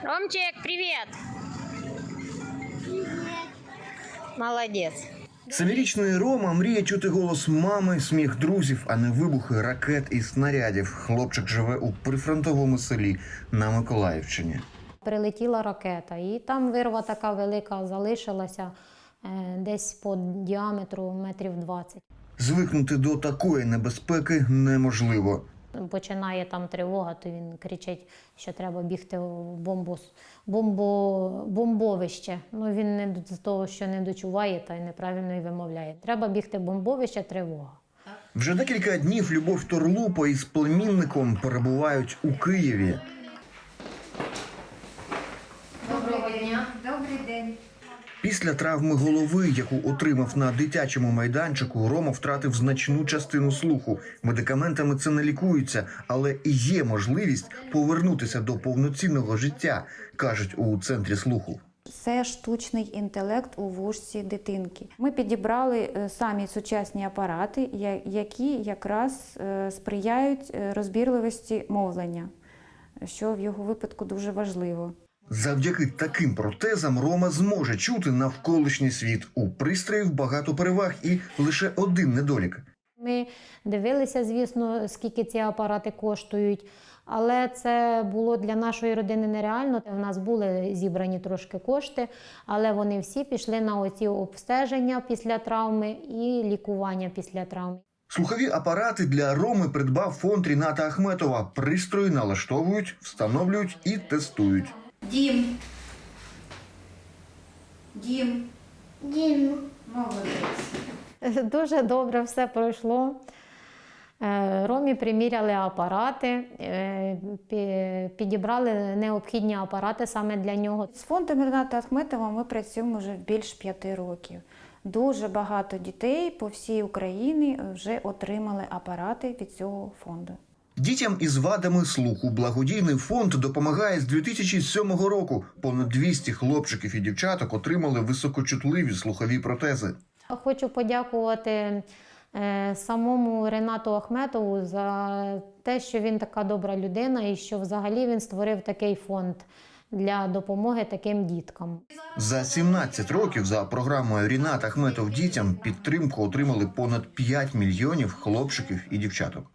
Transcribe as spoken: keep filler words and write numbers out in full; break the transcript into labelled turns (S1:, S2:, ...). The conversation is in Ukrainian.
S1: Ромчик, привет! Привет! Молодец!
S2: Семирічний Рома мріє чути голос мами, сміх друзів, а не вибухи ракет і снарядів. Хлопчик живе у прифронтовому селі на Миколаївщині.
S3: Прилетіла ракета, і там вирва така велика залишилася, десь по діаметру метрів двадцять.
S2: Звикнути до такої небезпеки неможливо.
S3: Починає там тривога, то він кричить, що треба бігти в бомбу, бомбо, бомбовище. Ну, він не з того, що не дочуває та й неправильно й вимовляє. Треба бігти в бомбовище, тривога.
S2: Вже декілька днів Любов Торлупа із племінником перебувають у Києві.
S3: Доброго дня.
S4: Добрий день.
S2: Після травми голови, яку отримав на дитячому майданчику, Рома втратив значну частину слуху. Медикаментами це не лікується, але і є можливість повернутися до повноцінного життя, кажуть у центрі слуху.
S4: Це штучний інтелект у вушці дитинки. Ми підібрали самі сучасні апарати, які якраз сприяють розбірливості мовлення, що в його випадку дуже важливо.
S2: Завдяки таким протезам Рома зможе чути навколишній світ. У пристроїв багато переваг і лише один недолік.
S3: Ми дивилися, звісно, скільки ці апарати коштують, але це було для нашої родини нереально. У нас були зібрані трошки кошти, але вони всі пішли на оці обстеження після травми і лікування після травми.
S2: Слухові апарати для Роми придбав фонд Ріната Ахметова. Пристрої налаштовують, встановлюють і тестують.
S4: Дім. Дім.
S1: Дім.
S4: Молодець.
S3: Дуже добре все пройшло. Ромі приміряли апарати, підібрали необхідні апарати саме для нього.
S4: З фондом Ріната Ахметова ми працюємо вже більше п'яти років. Дуже багато дітей по всій Україні вже отримали апарати від цього фонду.
S2: Дітям із вадами слуху благодійний фонд допомагає з дві тисячі сьомого року. Понад двісті хлопчиків і дівчаток отримали високочутливі слухові протези.
S3: Хочу подякувати самому Рінату Ахметову за те, що він така добра людина і що взагалі він створив такий фонд для допомоги таким діткам.
S2: За сімнадцять років за програмою Рінат Ахметов дітям підтримку отримали понад п'ять мільйонів хлопчиків і дівчаток.